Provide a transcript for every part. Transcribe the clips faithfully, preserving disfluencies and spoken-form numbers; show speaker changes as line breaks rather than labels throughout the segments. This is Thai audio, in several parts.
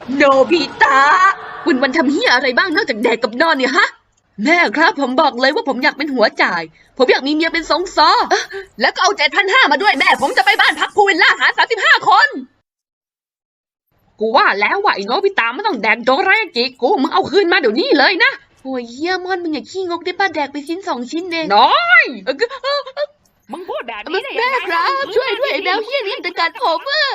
โนบิตะคุณวันทำเฮียอะไรบ้างนอกจากแดกกับนอนเนี่ยฮะแม่ครับผมบอกเลยว่าผมอยากเป็นหัวจ่ายผมอยากมีเมียเป็นสองซอแล้วก็เอาเจ็ดพันห้ามาด้วยแม่ผมจะไปบ้านพักพูวิลล่าหาสามสิบห้าคนกูว่าแล้วว่าไอ้โนบิตะไม่ต้องแดกโดราเอกิกูมึงเอาคืนมาเดี๋ยวนี้เลยนะโอ้ยเฮียมอนมึงอย่าขี้งกได้ป้าแดกไปชิ้นสองชิ้นเองน้อยมึงพูดแบบนี้ได้ยังไงแม่ครับช่วยด้วยไอ้แมวเฮียนี่จะกัดผมอะ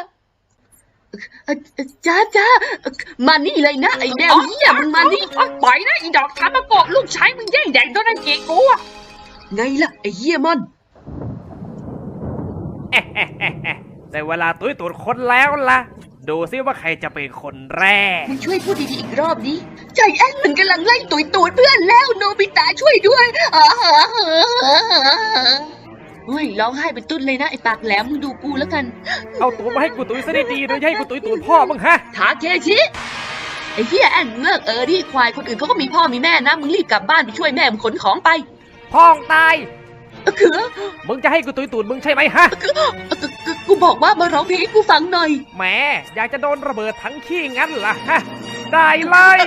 จ้าจ้ามานี่เลยนะไอ้แมวเฮียมึงมานี่ปล่อยนะไอ้ดอกทามะโกะลูกชายมึงแย่งแดกโดราเอกิกูอะไงล่ะไอ้เฮียมอน
ได้เวลาตุ้ยตูดคนแล้วล่ะดูซิว่าใครจะเป็นคนแรก
มึงช่วยพูดดีๆอีกรอบดิใจแอนมันกำลังไล่ตุยตูดเพื่อนแล้วโนบิตะช่วยด้วยเฮ้ยร้องไห้เป็นตุ้นเลยนะไอ้ปากแหลมมึงดูกูแล้วกัน
เอาตูดมาให้กูตุ้ยซะดีๆโดยให้กูตุ้ยตูดพ่อมึงฮะ
ทาเคชิไอ้เหี้ยแอนเลิกเออดิควายคนอื่นเขาก็มีพ่อมีแม่นะมึงรีบกลับบ้านไปช่วยแม่มึงขนของไป
พ่องตาย
คือ
มึงจะให้กูตุ้ยตูดมึงใช่ไหมฮะ
กูบอกว่ามาร้องเพลงให้กูฟังหน่อย
แหมอยากจะโดนระเบิดทั้งขี้งั้นล่ะฮะได้เลย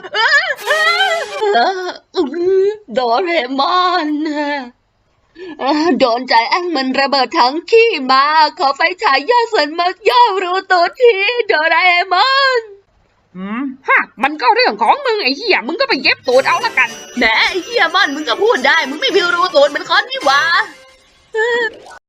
โดเรมอนโดนใจแอนมันระเบิดทั้งขี้มาขอไฟฉายย่อส่วนมาย่อรูตัวทีโดราเอมอน
อืมฮะมันก็เรื่องของมึงไอ้เหี้ยมึงก็ไปเย็บตูดเอาละกัน
แหมไอ้เหี้ยมอนมึงก็พูดได้มึงไม่มีรูตูดเหมือนคอนนี่หว่า